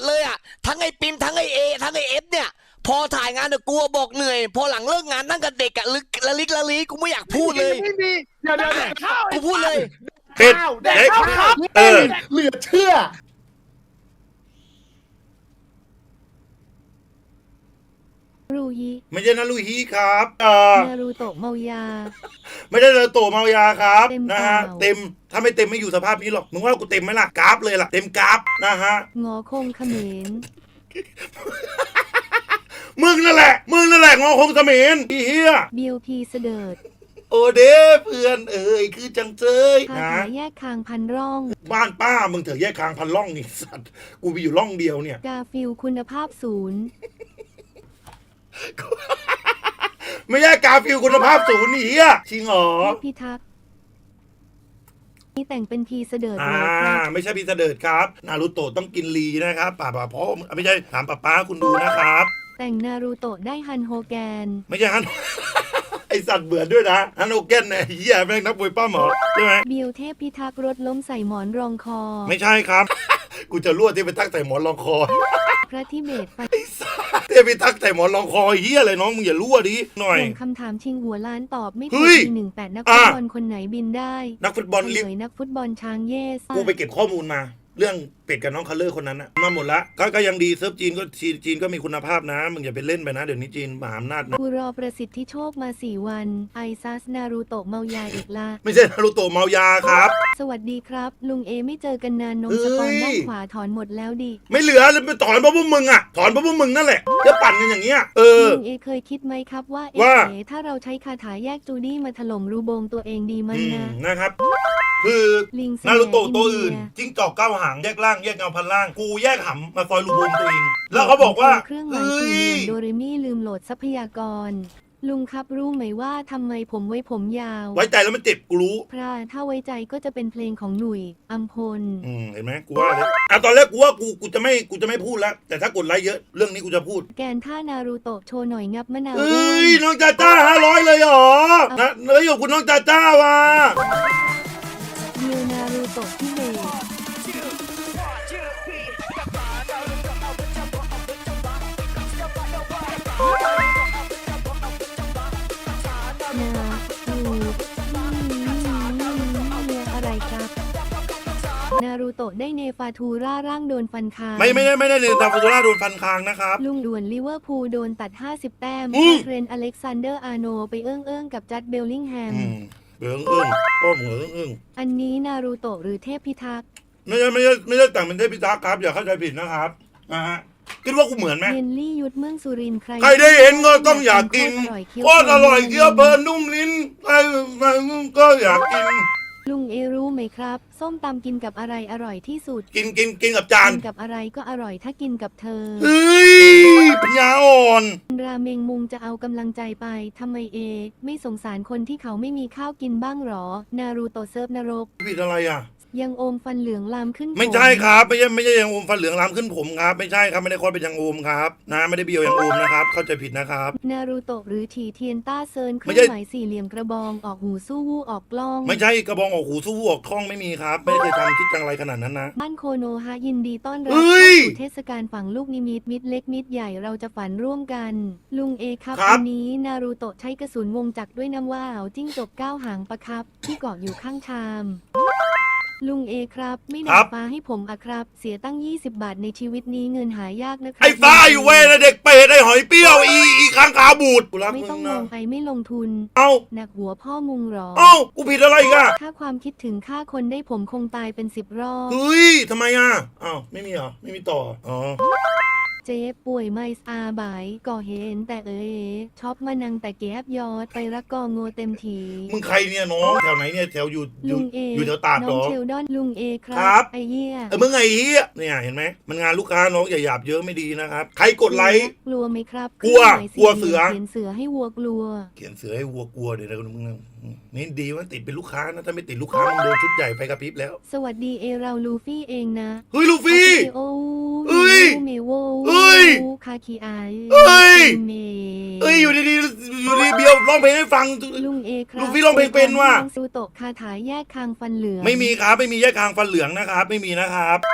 เลยอ่ะทั้งไอ้ปิมทั้งไอ้เอทั้งไอ้เอฟเนี่ยพอถ่ายงานเนี่ยกูบอกเหนื่อยพอหลังเลิกงานนั่งกับเด็กอะลึกละลิกละลีกูไม่อยากพูดเลยไม่มีเดี๋ยวแดกข้าวกูพูดเลยเป็ดแดกข้าวครับเหลือเชื่อรูฮิไม่ใช่นารุฮิครับนารูโตะเมายาไม่ได้เลยโตเมายาครับเต็มนะฮะเปล่าเต็มถ้าไม่เต็มไม่อยู่สภาพนี้หรอกมึงว่ากูเต็มไหมล่ะกราฟเลยล่ะเต็มกราฟนะฮะงอคงเขมรมึงนั่นแหละงอคงเสมีนอีเหี้ยบิวพีเสดิร์ดโอเดเพื่อนเอ๋ยคือจังเจยคานะถาแยกคางพันร่องบ้านป้ามึงเถอะแยกคางพันล่องนี่สัตว์กูมีอยู่ล่องเดียวเนี่ยกาฟิลคุณภาพศูนย์ไม่ใช่กาฟิลคุณภาพศูนย์นี่เฮียจริงเหรอเทพพิทักษ์นี่แต่งเป็นพีเสดิร์ดอ่าเลยครับไม่ใช่พี่เสดิร์ดครับนารูโตะต้องกินลีนะครับป่าเพราะไม่ใช่ถามป้าคุณดูนะครับแต่งนารูโตะได้ฮันโฮแกนไม่ใช่ฮัน ไอสัตว์เบื่อด้วยนะฮันโอเกนเนี่ยเฮียแม่งนักมวยป้าหมอใช่ไหมบิวเทพพิทักษ์รถล้มใส่หมอนรองคอไม่ใช่ครับ กูจะรั่วที่ไปทักใส่หมอนรองคอพระทิเบตไปเทพิทักษ์ใส่หมอนรองคอเฮียอะไรน้องมึงอย่ารั่วดิหน่อยส่งคำถามชิงหัวล้านตอบไม่เฮ้ถูกยปี18นักฟุตบอลคนไหนบินได้นักฟุตบอลเฉลิลยนักฟุตบอลช้างเยสกูไปเก็บข้อมูลมา เรื่องเป็ดกับน้องคัลเลอร์คนนั้นนะมาหมดละก็ยังดีเซิร์ฟจีนก็จีนก็มีคุณภาพนะมึงอย่าไปเล่นไปนะเดี๋ยวนี้จีนมหาอำนาจนะกูรอประสิทธิโชคมา4 วันไอซัสนารูโตะเมายาอีกละไม่ใช่นารูโตะเมายาครับสวัสดีครับ ลุงเอไม่เจอกันนานนมสปอนด้านขวาถอนหมดแล้วดิไม่เหลือเลยไปถอนเพราะพวกมึงอ่ะถอนเพราะพวกมึงนั่นแหละจะปั่นกันอย่างเงี้ยลุงเอเคยคิดไหมครับว่าเอว่าถ้าเราใช้คาถาแยกจูดี้มาถล่มรูโบงตัวเองดีมั้ยนะนะครับ คือลิงนารูโตะตัวอิอื่นเดียจิ้งจอกเก้าหางแยกล่างแยกเงาพันล่างกูแยกหำมาซอยลูกวงตัวเองแล้วเขาบอกว่าเครื่องหมายเฮ้สี่เหลี่ยยมโดเรมี่ลืมโหลดทรัพยากร ลุงครับรู้ไหมว่าทำไมผมไว้ผมยาวไว้ใจแล้วมันเจ็บกูรู้พระถ้าไว้ใจก็จะเป็นเพลงของหนุ่ยอัมพลเห็นไหมกูว่าเลยตอนแรกกูว่ากูจะไม่พูดแล้ว แต่ถ้ากดไลค์เยอะเรื่องนี้กูจะพูดแกนท่านารูโตะโชว์หน่อยงับมะนาวเอ้ยน้องจ้าจ้า500เลยเหรอนะเลยอยู่คุณน้องจ้าจ้าว่ะเดียวนารูโตะที่เบสนารูอะไรครับนารูโตะได้เนฟาทูร่าร่างโดนฟันคางไม่ได้เนี่ยตาฟูโตราโดนฟันคางนะครับลุงด่วนลิเวอร์พูลโดนตัด50 แต้มอืมเทรนต์อเล็กซานเดอร์อาร์โนไปเอื้องกับจัดเบลลิงแฮมเอื้องพ่อหมูเอื้องอันนี้นารูโตะหรือเทพพิทักษ์ไม่ได้แต่งเป็นเทพพิทักษ์ครับอย่าเข้าใจผิดนะครับนะฮะคิดว่ากูเหมือนไหมเยนลี่ยุทธเมืองสุรินทร์ใครใครได้เห็นก็ต้องอยากกินโคตรอร่อยเคี้ยวเพลินนุ่มลิ้นใครก็อยากกินลุงเอรู้ไหมครับ ส้มตำกินกับอะไรอร่อยที่สุดกินกับจานกินกับอะไรก็อร่อยถ้ากินกับเธอเฮ้ยปัญญาอ่อนราเมงมุงจะเอากำลังใจไปทำไมเอ ไม่สงสารคนที่เขาไม่มีข้าวกินบ้างหรอ นารูโตะเซิร์ฟนรกผิดอะไรอ่ะยังโอมฟันเหลืองลามขึ้นไม่ใช่ครับไม่ใช่ยังโอมฟันเหลืองลามขึ้นผมครับไม่ใช่ครับไม่ได้คลอดเป็นยังโอมครับนะไม่ได้เบียวยังโอมนะครับเข้าใจผิดนะครับนารูโตะหรือถีเทียนต้าเซินเคไม่รื่อใช่งหมายสี่เหลี่ยมกระบองออกหูสู้วู้ออกกล้องไม่ใช่กระบองออกหูสู้ออกท้องไม่มีครับ ไม่เคยทำคิดจังไรขนาดนั้นนะบ้านโคโนฮะยินดีต้อนรับเฮ้ยเข้าสู่เทศกาลฝังลูกนิมิตมิตรเล็กมิตรใหญ่เราจะฝันร่วมกัน ลุงเอครับครับวันนี้นารูโตะใช้กระสุนวงจักรด้วยน้ำว่าวจิ้งจก9 หางประครับ ที่เกาะอยู่ข้างชาม ลุงเอครับ ไม่ดับฟ้าให้ผมอะครับ เสียตั้ง20 บาทในชีวิตนี้เงินหายากนะครัไอ้ฟ้าอยู่เว้ยนะเด็กเป็ดไอ้หอยเปรี้ยวอีค้างคาวบูดกูรักไม่มึต้องงลนะงไปไม่ลงทุนเอ้าหนักหัวพ่อมุงหรอเอ้ากูผิดอะไรอีกันถ้าความคิดถึงฆ่าคนได้ผมคงตายเป็น10 รอบเฮ้ยทำไมอ่ะอ้าวไม่มีเหรอไม่มีต่ออ๋อเจ๊ป่วยไม่อาบายก่อเห็นแต่ช็อปมานังแต่แก๊บยอดไปรักกอโงเต็มทีมึงใครเนี่ยน้องแถวไหนเนี่ยแถวอยู่ลุงเออยู่แถวตาดเหรน้องอเชลดอนลุงเอคครัรับ ไอเยี่ยมึงไอ้เหี้ยเนี่ยเห็นไหมมันงานลูกค้าน้องอย่าหยาบเยอะไม่ดีนะครับใครกดไลค์กลัวไหมครับกลัวครื่องหมายกลัวเสือเขียนเสือให้วัวกลัวเขียนเสือให้วัวกลัวเดี๋ยวนะมึงนี่ดีว่าติดเป็นลูกค้านะถ้าไม่ติดลูกค้ามึงโดนชุดใหญ่ไฟกระพริบแล้วสวัสดีเอเราลูฟี่เองนะเฮ้ยลูฟี่โอเอ้ยเมโวเอ้ยคาคิไอเอ้ยเมเอ้ยอยู่ดีๆอยู่ดีเบียวร้องเพลงให้ฟังลุงเอครับลูฟี่ร้องเพลงเป็นว่ะซูโตะคาถาแยกคางฟันเหลืองไม่มีครับไม่มีแยกคางฟันเหลืองนะครับไม่มีนะครับ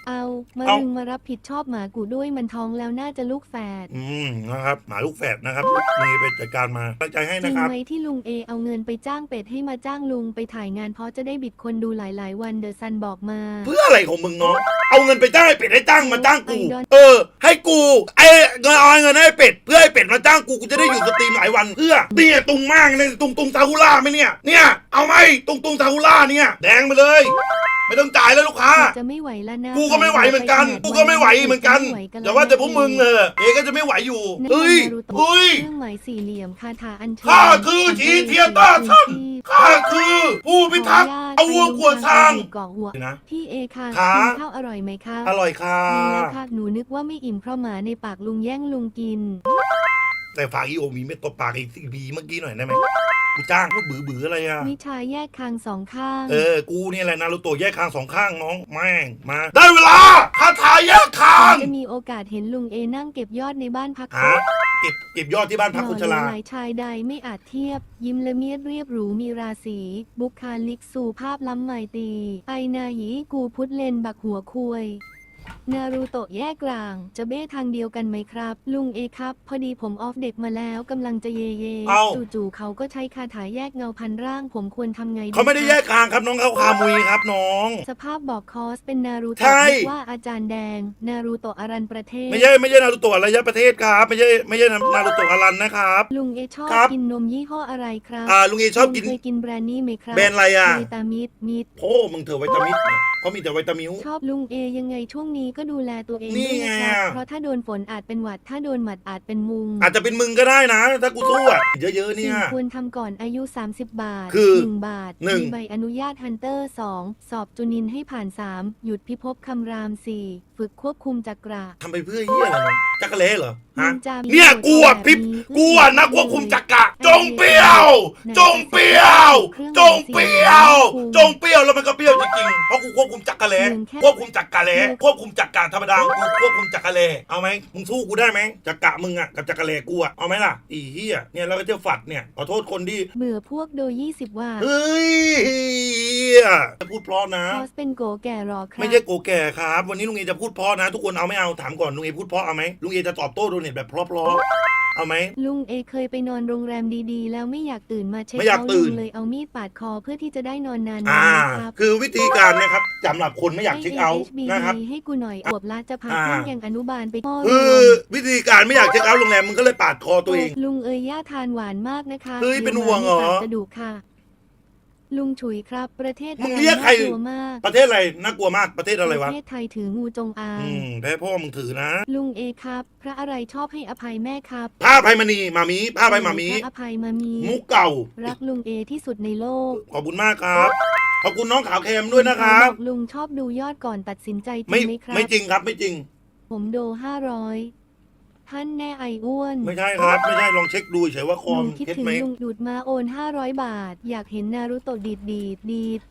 เอามาเอารึงมารับผิดชอบหมากูด้วยมันท้องแล้วน่าจะลูกแฝดนะครับหมาลูกแฝดนะครับมีไปจัดการมาตั้งใจให้จรินะงครับไหมที่ลุงเอเอาเงินไปจ้างเป็ดให้มาจ้างลุงไปถ่ายงานเพราะจะได้บิดคนดูหลายๆวันเดอะซันบอกมาเพื่ออะไรของมึงน้องเอาเงินไปจ้างให้เป็ดให้จ้างมาจ้างกูไอดอลให้กูเอาเงินให้เป็ดเพื่อให้เป็ดมาจ้างกูจะได้อยู่สตรีมหลายวันเพื่อเนี่ยตุงมากเลยตุงซากุล่าไหมเนี่ยเอาไหมตุงซากุล่าเนี่ยแดงไปเลย ไม่ต้องจ่ายแล้วลูกค้าจะไม่ไหวแล้วนะกูก็ไม่ไหวเหมือนกันกูก็ไม่ไหวเหมือนกันอย่าว่าแต่พวกมึงเอก็จะไม่ไหวอยู่นั่นเฮ้ยนารูโตะเฮ้ยเครื่องหมายสี่เหลี่ยมคาถาอัญเชิญข้าคือชีเทียต้าท่านข้าคือผู้พิทักษ์เอาวัวขวดทางเกาะหัวนะพี่เอค่ะค่ะกินข้าวอร่อยไหมคะอร่อยค่ะดีแล้วค่ะหนูนึกว่าไม่อิ่มเพราะหมาในปากลุงแย่งลุงกินแต่ฝากอีโอมีเม็ดตบปากอีกสิบีเมื่อกี้หน่อยได้ไหมกูจ้างพูดบื้ออะไรอ่ะวิชาแยกคางสองข้างกูเนี่ยแหละนารูโตะแยกคางสองข้างน้องแม่งมาได้เวลาคาถาแยกคางจะมีโอกาสเห็นลุงเอนั่งเก็บยอดในบ้านพักหาเก็บยอดที่บ้านพักคนชราหล่อเหลาหลายชายใดไม่อาจเทียบ ยิ้มละเมียดเรียบหรูมีราศีบุคาลิกสู่ภาพล้ำไมตรีไอนาหยีกูพุทธเลนบักหัวคุยนารูโตะแยกกลางจะเบ้ทางเดียวกันไหมครับ ลุงเอครับ พอดีผมออฟเด็กมาแล้วกำลังจะเยเยจู่ๆเขาก็ใช้คาถาแยกเงาพันร่างผมควรทำไงดีเขาไม่ได้แยกคางครับน้องเขาคามุยครับน้องสภาพบอกคอสเป็นนารูใช่โตะนึกว่าอาจารย์แดง นารูโตะอารันประเทศไม่ใช่นารูโตะระยะประเทศครับไม่ใช่นารูโตะอารันนะครับลุงเอชอบครับกินนมยี่ห้ออะไรครับลุงเอชอบกินเคยกินแบรนด์นี้ไหมครับแบรนด์อะไรอ่ะวิตามิดมิดโอ้มึงเถอะวิตามินเขามีแต่วิตามิวชอบลุงเอยังไงช่วงนี้ก็ดูแลตัวเองนี่ด้วยนะคไงรับอะเพราะถ้าโดนฝนอาจเป็นหวัดถ้าโดนหมัดอาจเป็นมุงอาจจะเป็นมึงก็ได้นะ ถ้ากูสู้อ่ะเยอะๆเนี่สิ่ยงควรทำก่อนอายุ 30 บาทคือ 1 บาทหนึ่งมีใบอนุญาตฮันเตอร์ 2 สอบจุนินให้ผ่าน 3 หยุดพิภพคำราม 4 ฝึกควบคุมจักระทำไปเพื่อเฮียอะไรเนาะจักรเล่เหรอฮะนินจามีเนี่ยโจทย์กูอ่ะแบบพิบนี้กูอ่ะนักควบคุมจักระจงเปรี้ยว จงเปรี้ยว จงเปรี้ยว จงเปรี้ยวแล้วมันก็เปรี้ยวจริงๆเพราะกูควบคุมจักรเล่ควบคุมจักรเล่ควบคุมจักรธรรมดากูควบคุมจักรเล่เอาไหมมึงสู้กูได้ไหมจักระมึงอ่ะกับจักรเล่กูอ่ะเอาไหมล่ะอีเฮียเนี่ยแล้วก็เจ้าฝัดเนี่ยขอโทษคนที่เบื่อพวกโดย 20 ว่าเฮ้ยจะพูดเพราะนะคอสเป็นโกแก่รอครับไม่ใช่โกแก่ครับ วันนี้ลุงเอจะพูดเพราะนะ ทุกคนเอาไม่เอาถามก่อนลุงเอพูดเพราะเอาไหมลุงเอจะตอบโต้โดเน็ตแบบเพราะๆเอาไหมลุงเอเคยไปนอนโรงแรมดีๆ แล้วไม่อยากตื่นมาเช็คไม่อยากเอาท์ตื่ลุนงเลยเอามีดปาดคอเพื่อที่จะได้นอนนานอ่าๆนะครับคือวิธีการนะครับสำหรับคนไม่อยากเช็คเอาท์ให้นะครับให้กูหน่อยอวบละจะพาอ่าเพื่อนยังอนุบาลไปพ่อคือวิธีการไม่อยากเช็คเอาท์โรงแรมมึงก็เลยปาดคอตัวเองลุงเอ๋ยย่าทานหวานมากนะคะเฮ้ยเป็นห่วงเหรอดี๋ยมาในปากจะดุค่ะ ลุงฉุยครับ ประเทศมึงเรียกใครน่ากลัวมากประเทศอะไรน่ากลัวมากประเทศอะไรวะประเทศไทยถืองูจงอางแพ้พ่อมึงถือนะลุงเอครับ พระอะไรชอบให้อภัยแม่ครับผ้าไพมณีมามีผ้าไพมามีพระอภัยมามีมุกเก่ารักลุงเอที่สุดในโลกขอบคุณมากครับขอบคุณน้องขาวแคมด้วยนะครับอกลุงชอบดูยอดก่อนตัดสินใจจริไม่งไหมครับไม่จริงครับไม่จริงผมโด500ท่านแน่ไออ้วนไม่ใช่ครับ ไม่ใช่ลองเช็คดูเฉยว่าคอลุมงคิดเท็จถึงไหมลุงดูดมาโอน500 บาท อยากเห็นนารุโตะดีด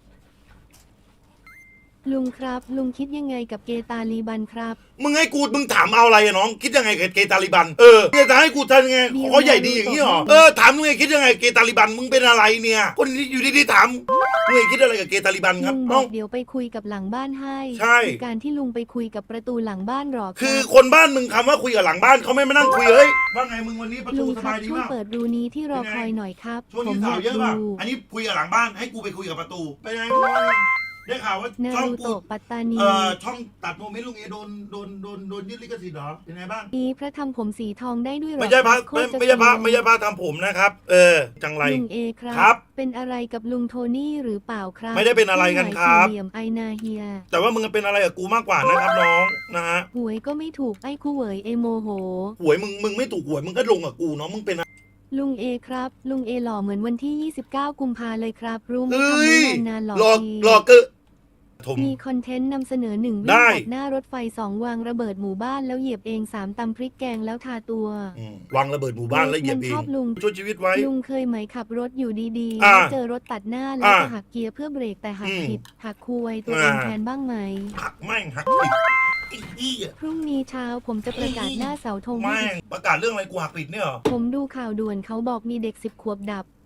ลุงครับ ลุงคิดยังไงกับเกตาลีบันครับมึงถามเอาอะไรอะน้อง คิดยังไงกับเกย์ตาลิบันจะให้กูทำยังไงขอใหญ่ดีอย่างนี้หรอถามมึงไงคิดยังไงเกย์ตาลิบันมึงเป็นอะไรเนี่ยคนที่อยู่ดีๆถามมึงคิดอะไรกับเกย์ตาลิบันคลุรับงบน้อองกเดี๋ยวไปคุยกับหลังบ้านให้ใช่คือการที่ลุงไปคุยกับประตูหลังบ้านหรอคคือรับคนบ้านมึงคำว่าคุยกับหลังบ้านเขาไม่มานั่งคุยเฮ้ยว่าไงมึงวันนี้ประลุตูงสครับบายดีช่วยมากเปิดรูนี้ที่รอคอยหน่อยครับช่วงผมนี้อข่าวยากเยอะป่ะดูอันนี้คุยกับหลังบ้านให้กูไปคุยกับประตูไปไหนได้ข่าวว่านาช่องรูกูโตะปัตตานีช่องตัดโมเมนต์ลุงเอโดนยึดลิขสิทธิ์เหรอเป็นไงบ้างนี้พระทำผมสีทองได้ด้วยหรอไม่ใช่พระโคตรจะไม่ใช่พระสวยไม่ใช่พระทำผมนะครับ จังไรลุงเอครับครับเป็นอะไรกับลุงโทนี่หรือเปล่าครับไม่ได้เป็นอะไรกันครับเคองหมายสี่เหลี่ยมไอนาเฮียแต่ว่ามึงเป็นอะไรกับกูมากกว่านะครับน้องนะฮะหวยก็ไม่ถูกไอ้คู่เหวยเอโมโหหวยมึงไม่ถูกหวยมึงก็ลงกับกูเนาะมึงเป็นอะไรลุงเอครับ ลุงเอหล่อเหมือนวันที่ 29 กุมภาเลยครับ รู้ไหมเอ้ทำไม่ยนานๆหล่อหลอกทีหลอกเกอะถมมีคอนเทนต์นำเสนอ1วิ่ได้งตัดหน้ารถไฟ2วางระเบิดหมู่บ้านแล้วเหยียบเอง3ตำพริกแกงแล้วทาตัววางระเบิดหมู่บ้านแล้วเหยียบเอมันชงอบลุงช่วยชีวิตไว้ลุงเคยไหมขับรถอยู่ดีๆอ่าแล้วเจอรถตัดหน้าแล้วอ่าจะหักเกียร์เพื่อเบรกแต่หักอืมผิดหักคูไวตัวเองอ่าแทนบ้างไหมหักแม่งหักผิดไอ้เหี้ยพรุ่งนี้เช้าผมจะประกาศหน้าเสาธงให้แม่งประกาศเรื่องอะไรกูหักผิดเนี่ยเหรอผมดูข่าวด่วนเขาบอกมีเด็ก10 ขวบดับ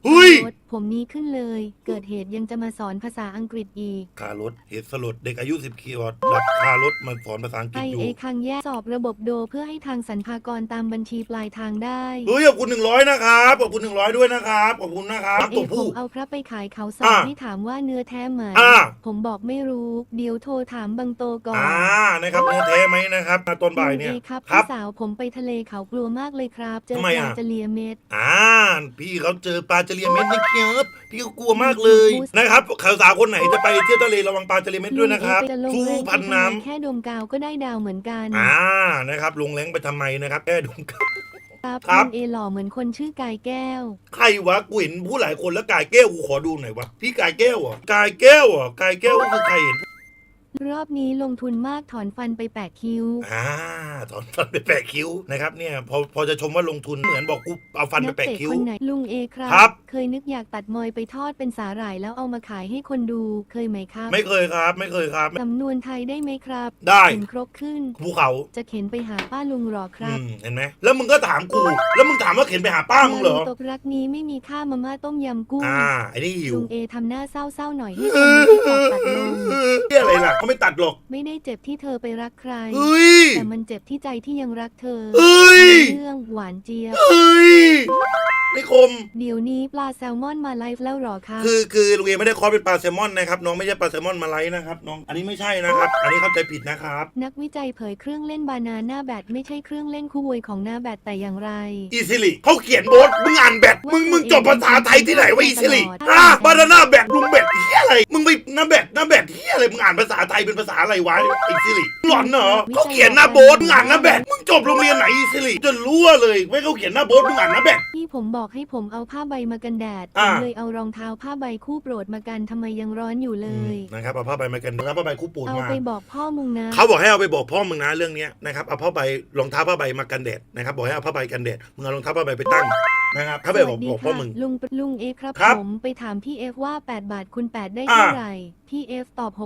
เฮ้ยรถผมนี้ขึ้นเลย เกิดเหตุยังจะมาสอนภาษาอังกฤษอีกคารถเหตุสลดเด็กอายุ10 ขวบดับคารถมาสอนภาษาอังกฤษอยู่ IA คังแยกสอบระบบโดเพื่อให้ทางสรรพากรตามบัญชีปลายทางได้เฮ้ยขอบคุณ100นะครับขอบคุณ100ด้วยนะครับขอบคุณนะครับเอตัวผผู้มเอาพระไปขายเขาสอบให้ถามว่าเนื้อแท้ไหม ผมบอกไม่รู้ เดี๋ยวโทรถามบังโตก่อนนะครับเนื้อแท้ไหมนะครับตอนบ่ายเนี่ยลุงครับครัพี่บสาวผมไปทะเลเขากลัวมากเลยครับ เจอทำไมปลาอ่ะจะเลียเม็ดพี่เขาเจอปลาจเรียเม็ดนะครับพี่ก็กลัวมากเลยนะครับสาวๆคนไหนจะไปเที่ยวทะเลระวังปลาจเรียเม็ดด้วยนะครับลุงเอไปจะลงสู้แรงพันน้ำแค่ดมกาวก็ได้ดาวเหมือนกันนะครับลงแรงไปทำไมนะครับแค่ดูครับครับครับลุงเอหล่อเหมือนคนชื่อกายแก้วใครวะกูเห็นผู้หลายคนแล้วกายแก้วกูขอดูหน่อยวะพี่กายแก้วเหรอกายแก้วเหรอกายแก้วก็คือใครเห็นรอบนี้ลงทุนมากถอนฟันไป8คิ้วถอนฟันไปแปะคิ้วนะครับเนี่ยพอจะชมว่าลงทุนเหมือนบอกกูเอาฟันไปนักแปะเตะคิ้วคนไหนลุงเอครับครับเคยนึกอยากตัดมอยไปทอดเป็นสาหร่ายแล้วเอามาขายให้คนดูเคยไหมครับไม่เคยครับไม่เคยครับสำนวนไทยได้ไหมครับได้เข็นครกขึ้นภูเขาจะเข็นไปหาป้าลุงหรอครับเห็นไหมแล้วมึงก็ถามกูแล้วมึงถามว่าเข็นไปหาป้ามึงเหรอตกรักนี้ไม่มีค่ามาม่าต้มยำกุ้งไอ้นี่หิวลุงเอทำหน้าเศร้าๆหน่อยให้คนนี้ที่ตอบตัดลงที่อะไรล่ะเขาไม่ตัดหรอกไม่ได้เจ็บที่เธอไปรักใครเฮ้ยแต่มันเจ็บที่ใจที่ยังรักเธอเฮ้ยเรื่องหวานเจี๊ยบเฮ้ยไม่คมเดี๋ยวนี้ปลาแซลมอนมาไลฟ์แล้วหรอครับคือลุงเอไม่ได้คอสเป็นปลาแซลมอนนะครับน้องไม่ใช่ปลาแซลมอนมาไลฟ์นะครับน้องอันนี้ไม่ใช่นะครับ อันนี้เข้าใจผิดนะครับนักวิจัยเผยเครื่องเล่นบานาน่าแบตไม่ใช่เครื่องเล่นคู่มวยของหน้าแบตแต่อย่างไรอีซิลิเขาเขียนโบสมึงอ่านแบตมึงจบภาษาไทยที่ไหนวะอีซิลิบานาน่าแบตลุงแบตเฮียอะไรมึงไปหน้าแบตเฮียอะไรมึงอ่านภาษาไทยเป็นภาษาอะไรวะอีซิลิหลอนเหรอเขาเขียนหน้าโบสมึงอ่านหน้าแบตมึงจบโรงเรียนไหนอีซิลิจนรู้เลยไม่เขาเขียนหน้าโบสมึงอ่านหน้าแบตที่ผมบอกให้ผมเอาผ้าใบมากันแดดผอ่ามเลยเอารองเท้าผ้าใบคู่โปรดมากันทำไมยังร้อนอยู่เลยนะครับเอาผ้าใบมากันนะครับผ้าใบคู่ปูนเอามาไปบอกพ่อมึงนะเขาบอกให้เอาไปบอกพ่อมึงนะเรื่องนี้นะครับเอาผ้าใบรองเท้าผ้าใบมากันแดดนะครับบอกให้เอาผ้าใบกันแดดมึงเอารองเท้าผ้าใบไปตั้งนะครับถ้าไปบอกพ่อมึงลุงเอครับครับผมไปถามพี่เอฟว่า8 บาทคูณ8ได้เท่าไหร่พี่เอฟตอบ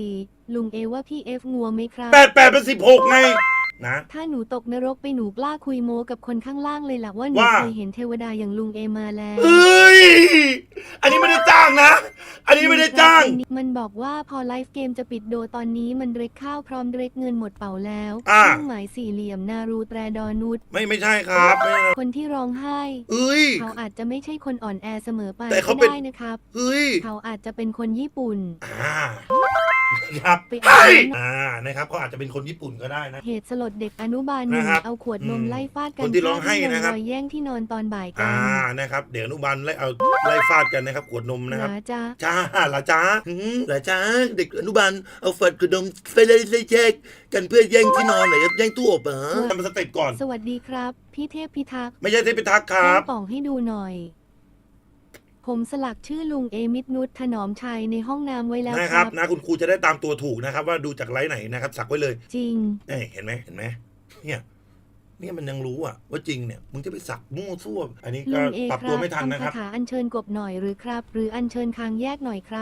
64ลุงเอว่าพี่เอฟงัวไหมครับ 8เป็น16ไงนะถ้าหนูตกนรกไปหนูกล้าคุยโมกับคนข้างล่างเลยล่ะว่าหนูว่าเคยเห็นเทวดาอย่างลุงเอมาแล้วเอ้ยอันนี้ไม่ได้จ้างนะ อันนี้ไม่ได้จ้างมันบอกว่าพอไลฟ์เกมจะปิดโดตอนนี้มันเร็กข้าวพร้อมเร็กเงินหมดเป่าแล้วอ่าเครื่องหมายสี่เหลี่ยมนารูแตรดอนุชไม่ใช่ครับไม่ใช่คนที่ร้องไห้เอ้ยเขาอาจจะไม่ใช่คนอ่อนแอเสมอไปแต่เขาก็เป็นได้นะครับเฮ้ยเขาอาจจะเป็นคนญี่ปุ่นครับไปอ่านนะครับเขาอาจจะเป็นคนญี่ปุ่นก็ได้นะเหตุสลดเด็กอนุบาลหนึ่งนะครับเอาขวดนมไล่ฟาดกัคนที่ร้องไห้นะครับรอยแย่งที่นอนตอนบ่ายกันนะครับเดี๋ยวอนุบาลไล่ฟาดกันนะครับขวดนมนะครับหลาจ้าจ้าเหรอจ้าเหรอจ้าเด็กอนุบาลเอาฝัดขวดนมไปเลยแยกกันเพื่อแย่งที่นอนไหนแย่งตู้อบเหรอทำสเต็ปก่อนสวัสดีครับ พี่เทพพิทักษ์ไม่ใช่เทพิทักษ์ครับแจ้งป่องให้ดูหน่อย ผมสลักชื่อลุงเอมิตรนุชถนอมชัยในห้องน้ำไว้แล้วนะคครัรับบ นะคุณครูจะได้ตามตัวถูกนะครับ ว่าดูจากไลฟ์ไหนนะครับสักไว้เลยจริงเห็นไหมเนี่ยมันยังรู้ว่าจริงเนี่ยมึงจะไปสักมั่วซั่วอันนี้ลุก็งเอปรับครัตัวบไม่ทันนะทำคคารับถาอัญเชิญกบหน่อยหรือครับ หรืออัญเชิญคางแยกหน่อยครับ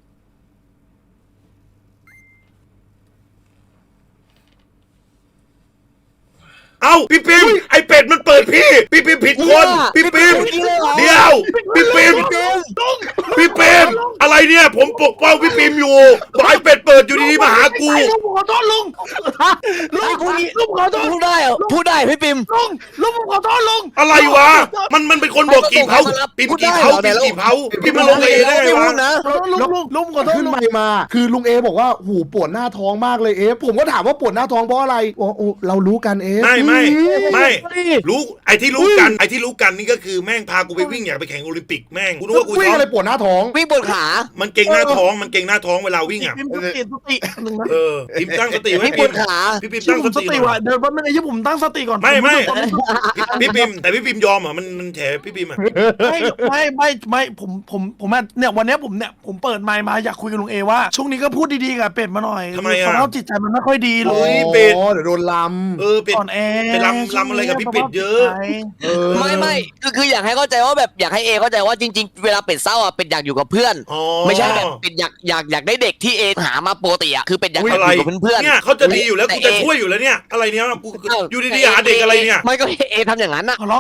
เอ้าพี่ปิมไอเป็ดมันเปิดพี่ปิมผิดคนพี่ปิมเดี๋ยวพี่ปิมอะไรเนี่ยผมปกป้องพี่ปิมอยู่บอกไอเป็ดเปิดอยู่ดีๆมาหากูลุงขอโทษลุงลุงขอโทษพูดได้เหรอพูดได้พี่ปิมลุงขอโทษลุงอะไรวะมันเป็นคนบอกกี่เผาปิมกี่เผาปิมมาลงเอได้ไงไม่พูวะดนะลุงขอโทษขึ้นลุงไมค์มาคือลุงเอบอกว่าหูปวดหน้าท้องมากเลยเอฟผมก็ถามว่าปวดหน้าท้องเพราะอะไรโอ้เรารู้กันเอฟไม่รู้ไอ้ที่รู้กันนี่ก็คือแม่งพากูไปวิ่งอยากไปแข่งโอลิมปิกแม่งกูนึกว่ากูวิ่งท้องอะไรปวดหน้าท้องวิ่งบนขามันเก่งหน้าท้องเวลาวิ่งพิมพ์สติหนึ่งนะปิมตั้งสติไว้วิ่งบปิมนขาพี่ปิมชื่ตั้อง ผมสสติติหน่ว่ะอยเดี๋ยวมันไอ้ยี่ผมตั้งสติก่อนไม่พี่ปิมแต่พี่ปิมยอมเหรอมันแฉพี่ปิมอ่ะไม่ผมเนี่ยวันนี้ผมเปิดไมค์มาอยากคุยกับลุงเอว่าช่วงนี้ก็พูดดีๆกับเป็ดมาหน่อยสภาพจิตใจมันไม่ค่อยดีเลเฮ้ยยเป็ดเดี๋ยวโดนลเป็ดอ่อนแอไปลำอะไรกับพี่เป็ดเยอะไม่คืออยากให้เข้าใจว่าแบบอยากให้เอเข้าใจว่าจริงๆเวลาเป็ดเศร้าอ่ะเป็ดอยากอยู่กับเพื่อนอ๋อไม่ใช่แบบเป็ดอยากได้เด็กที่เอหามาปกติอะคือเป็ดอยากอะไรอยู่กับเพื่อนเนี่ยเขาจะดีอยู่แล้วกูจะช่วยอยู่แล้วเนี่ยอะไรเนี่ยกูอยู่ดีๆหาเด็กอะไรเนี่ยไม่ก็เอทำอย่างนั้นอะขอร้อง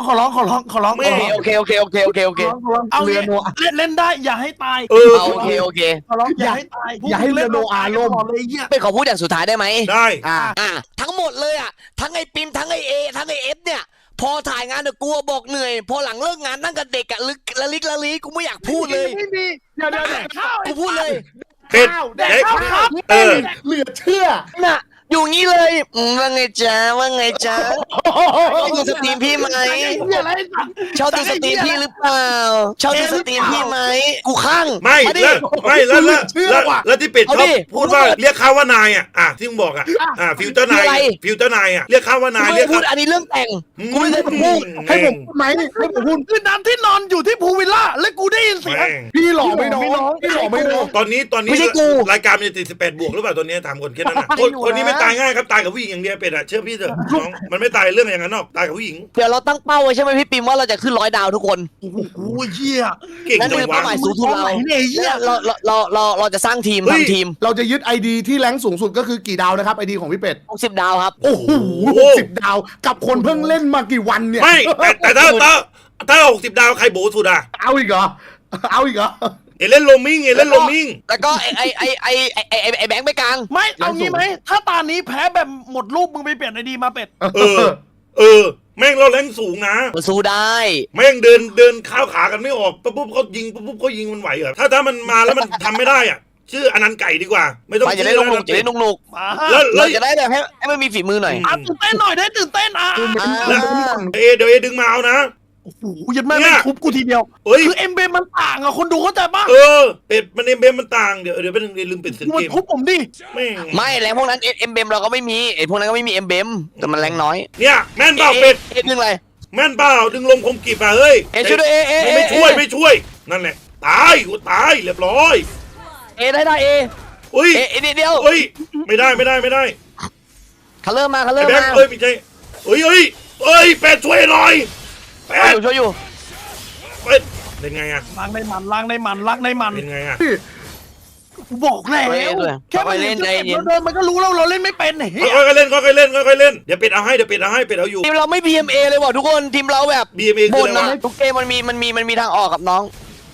ไม่โอเคเอาเรือโนอาเล่นได้อย่าให้ตายเออโอเคขอร้องอย่าให้ตายอย่าให้เรือโนอาล่มเลยเหี้ยเป็นขอพูดอย่างสุดท้ายได้ไหมได้ทั้งหมดเลยอ่ะทั้งไอ้ปิมทั้งไอ้เอทั้งไอ้เอฟเนี่ย พอถ่ายงานเนี่ยกูบอกเหนื่อย พอหลังเลิกงานนั่งกับเด็กอะละลิกละลีกูไม่อยากพูดเลยไม่มีเดี๋ยวข้าวกูพูดเลยเป็ดแดกเด็กข้าวครับเออเหลือเชื่อน่ะอยู่งี้เลยว่าไงจ๊ะชอบดูสตรีมพี่ไหมไอ้เหี้ยอะไรสัตว์ชอบดูสตรีมพี่หรือเปล่าชอบดูสตรีมพี่ไหมกูข้างไม่าดิแล้วที่เป็ดชเอาอบดิพูดว่าเรียกเขาว่านายที่มึงบอกฟิวเจอร์นายคืออะไรฟิวเจอร์นายเรียกเขาว่ากูนายไม่เรียได้กพูเขาดอันนี้เรื่องแต่งกูไม่ได้พูดให้ผมพูดไหมให้ผมพูดคือน้ำที่นอนอยู่ที่ภูวิลล่าแล้วกูได้ยินเสียงแม่งพี่หล่อไม่น้องพี่หล่อไม่น้องตอนนี้ไม่ใช่กูรายการมันจะติด18 บวกหรือเปล่าตอนนี้ถามคนแค่นั้นนะคนนี้ไม่ตายง่ายครับตายกับผู้หญิงอย่างเดียวเป็ดเชื่อพี่เถอะน้องมันไม่ตายเรื่องอย่างนั้นหรอกตายกับผู้หญิงเดี๋ยวเราตั้งเป้าไว้ใช่ไหมพี่ปิมว่าเราจะขึ้น100 ดาวทุกคนโอ้โหเหี้ยเก่งนั่นจัคืงอเป้าวะหมายสูงสุดเราไหนเนี่ยไอ้เหี้ยแล้วเราจะสร้างทีมเฮ้ยทำทีมเราจะยึดไอดีที่แรงสูงสุดก็คือกี่ดาวนะครับไอดีของพี่เป็ด 60 ดาวครับโอ้โห60 ดาวกับคนเพิ่งเล่นมากี่วันเนี่ยไม่แต่ถ้า60 ดาวใครโบสุดอ่ะเอาอีกเหรอเอาอีกเหรอเอเล่นโลมิงเอเล่นโลมิงแล้วก็ไอ้แบงค์ไปกลางไม่เอางี้ไหมถ้าตานี้แพ้แบบหมดรูปมึงไปเปลี่ยนไอดีมาเป็ดแม่งเราแรงสูงนะมันสู้ได้แม่งเดินข้าวขากันไม่ออกปุ๊บเขายิงปุ๊บเขายิงมันไหวเหรอถ้ามันมาแล้วมันทำไม่ได้อ่ะชื่ออนันต์ไก่ดีกว่า ไม่ต้องมันจะชื่ได้อนุกๆจะได้นุกมาแล้วๆเราจะได้แบบให้มันมีฝีมือหน่อยตื่นเต้นหน่อยได้ตื่นเต้นเดี๋ยวดึงมาเอานะโอ้โหยัดแม่ไม่ทุบกูทีเดียวเฮ้ยคือเอ็มเบมันต่างอะคนดูเข้าใจปะเป็ดมันเอ็มเบมมันต่างเดี๋ยวเป็นลืมปิดเสียงมัเกนมทุบผมดิแม่งไม่แรงพวกนั้นเอ็มเบมเราก็ไม่มีไอ้พวกนั้นก็ไม่มีเอ็มเบมแต่มันแรงน้อยเนี่ยแม่นเปล่าเป็ดเอ็ดึงอะไรแม่นเปล่าดึงลมคมกริบอ่ะเฮ้ยช่วยด้วยเอไม่ช่วยนั่นแหละตายกูตายเรียบร้อยได้เออุ้ยเอเดียวเฮ้ยไม่ได้เขาเริ่มมาแบงค์ไม่ใช่เฮ้ยเป็ดช่วยหน่อยเป็ดช่วยอยู่เป็ดเป็นไงอ่ะล้างในมันเป็นไงอ่ะกูบอกแล้วแค่มันเล่นเดินมันก็รู้แล้วเราเล่นไม่เป็นเฮ้ยค่อยๆเล่นเดี๋ยวเป็ดเอาให้เป็ดเอาอยู่ทีมเราไม่ BMA เลยว่ะทุกคนทีมเราแบบ BMA คือบ่นอะไรนะวะทุกเกมมันมีทางออกกับน้อง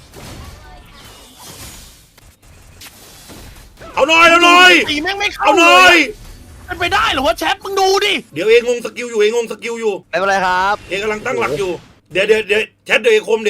เอาหน่อยตีแม่งไม่เข้าเอาหน่อยเป็นไปได้หรือว่าแชทมึงดูดิเดี๋ยวเองงสกิลอยู่ไม่เป็นไรครับเองกำลังตั้งหลักอยู่ เดี๋ยวแชทเดี๋ยวเอคม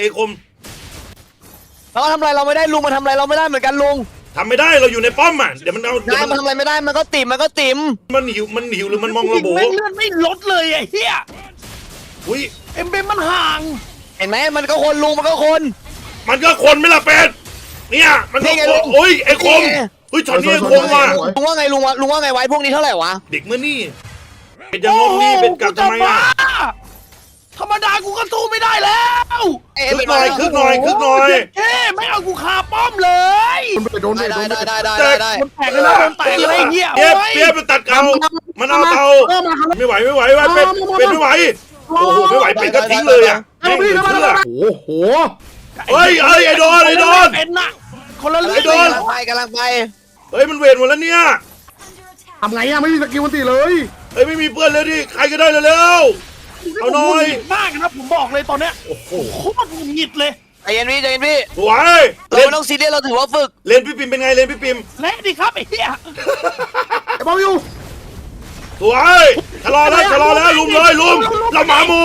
เราทำอะไรเราไม่ได้ลุงมาทำอะไรเราไม่ได้เหมือนกันลุงทำไม่ได้เราอยู่ในป้อมอ่ะเดี๋ยวมันเอาได้มันทำอะไรไม่ได้มันก็ติ่มมันหิวหรือมันมองระโบแม่งเลื่อนไม่ลดเลยไอ้เหี้ยอุ้ยเอ็มเบมันห่างเห็นไหมมันก็คนลุงมันก็คนมันก็คนไม่ละเป็ดเนี่ยมันก็นี่ไงคนโอ้ยไอ้คมนี่ไงเฮ้ยช็อตนี้ไอ้คมว่ะลุงว่าไงลุงว่าไงไว้พวกนี้เท่าไหร่วะเด็กเมื่อนี่เป็นยังงงนี่เป็นกลับทำไมอ่ะธรรมดากูก็สู้ไม่ได้แล้วคึกหน่อยเฮ้ไม่เอากูคาป้อมเลยโดนได้มันแตกเลยนะโดนแตกเลยไอ้เหี้ยเปียบมันตัดเกามันเอาเตาไม่ไหวเป็ดไม่ไหวโอ้โหไม่ไหวเป็ดก็ทิ้งเลยอ่ะแม่งเหลือเชื่อโอ้โหเฮ้ยไอ้โดนเป็นน่ะคนละเรื่ไอ้โดองนกำลังไปเฮ้ยมันเวทหมดแล้วเนี่ยทำไงอะไม่มีสกิลมันตีเลยเฮ้ยไม่มีเพื่อนเลยดิใครก็ได้เร็วๆเอาหน่อยมากนะผมบอกเลยตอนเนี้ยโอ้โหโคตรหงุดหงิดเลยใจเย็นพี่สวยเราเล่นไม่ต้องซีเรียสเราถือว่าฝึกเล่นพี่ปิมเป็นไงเล่นพี่ปิมและดิครับไอ้เหี้ยไอ้บอลอยู่สวยชะลอแล้วลุมเลยลุมเราหมาหมู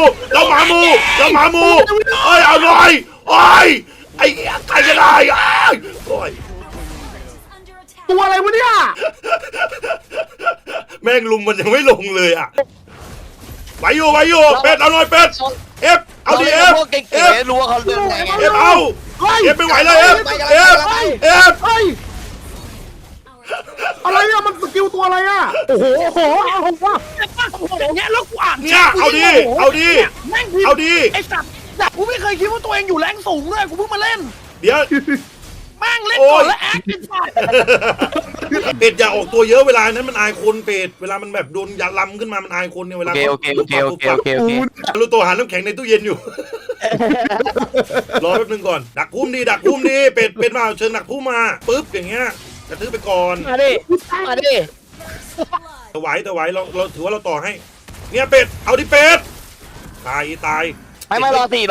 เอ้ยเอาหน่อยโอ้ยไอ้ใครก็ได้โอ้ยตัวอะไรวะเนี่ยแม่งลุมมันยังไม่ลงเลยอ่ะไหวอยู่เป็ดเอาหน่อยเป็ดเอฟเอาดิเอฟพวกเก่งเอฟๆรู้ว่าเขาเรื่องไงเอฟเอาเอฟไม่ไหวแล้วเอฟเอฟเฮ้ยอะไรอะมันสกิลตัวอะไรอะโอ้โหเอาผมว่าอย่างเงี้ยแล้วกูอ่านเนี่ยเอาดิแม่งไอ้สัตว์กูไม่เคยคิดว่าตัวเองอยู่แรงสูงเลยกูเพิ่งมาเล่นเดี๋ยวแม่งเล่นก่อนแล้วแอคไอ้สัตว์เป็ดอย่าออกตัวเยอะเวลานั้นมันอายคนเป็ดเวลามันแบบโดนยาลำขึ้นมามันอายคนเนี่ยเวลาโอเครู้ตัวหาน้ำแข็งในตู้เย็นอยู่รอแป๊บนึงก่อนดักพุ่มดีเป็ดมาเชิญดักพุ่มมาปึ๊บอย่างเงี้ยกระทืบไปก่อนมาดิมาดิถวายเราถือว่าเราต่อให้เนี่ยเป็ดเอาดิเป็ดตายไม่รอสี่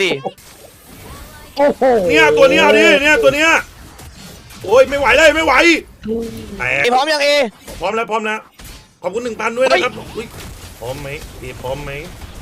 โอ้โหเนี่ยตัวเนี้ยเอาดิเนี่ยตัวเนี้ยโอ้ยไม่ไหวเลยไม่ไหวแตกไอพร้อมยังเอพร้อมแล้วขอบคุณ 1,000 ด้วยนะครับอุ๊ยพร้อมไหมพี่พร้อมไหม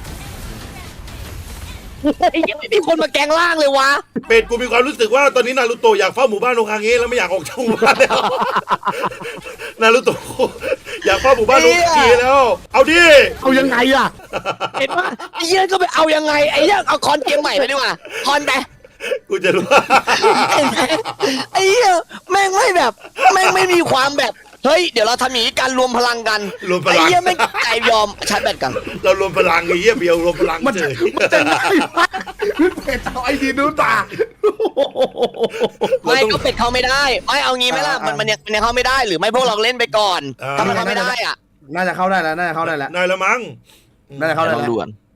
ไอ้เหี้ยไม่มีคนมาแกงล่างเลยวะเป็ดกูมีความรู้สึกว่าตอนนี้นารูโตะอยากเฝ้าหมู่บ้านโอคาเงะแล้วไม่อยากออกจากหมู่บ้านแล้ว นารูโตะอยากเฝ้าหมู่บ้านโอคาเงะแล้ว เอาดิเอายังไงอะเห็นปะไอ้เหี้ยก็ไปเอายังไงไอ้เหี้ยเอาคอนเกมใหม่ไปดีกว่าคอนไปกูจะรู้เห็นไหมไอ้เหี้ยแม่งไม่มีความแบบเฮ้ยเดี๋ยวเราทำอย่างนี้กันรวมพลังกันรวมพไอ้ลังเหี้ยไม่ใจยอมชาร์จแบตกันเรารวมพลังไอ้เหี้ยเบียวรวมพลังมันเฉจะยง่ายมากพี่เป็ดเอาไอดีนู้นตาไม่ก็เป็ดเข้าไม่ได้ไม่เอางี้ไหมล่ะมันยังเข้าไม่ได้หรือไม่พวกเราเล่นไปก่อนถ้ามันเข้าไม่ได้อ่ะน่าจะเข้าได้แล้วนายละมั้งน่าจะเข้าได้ลองแล้วด่วน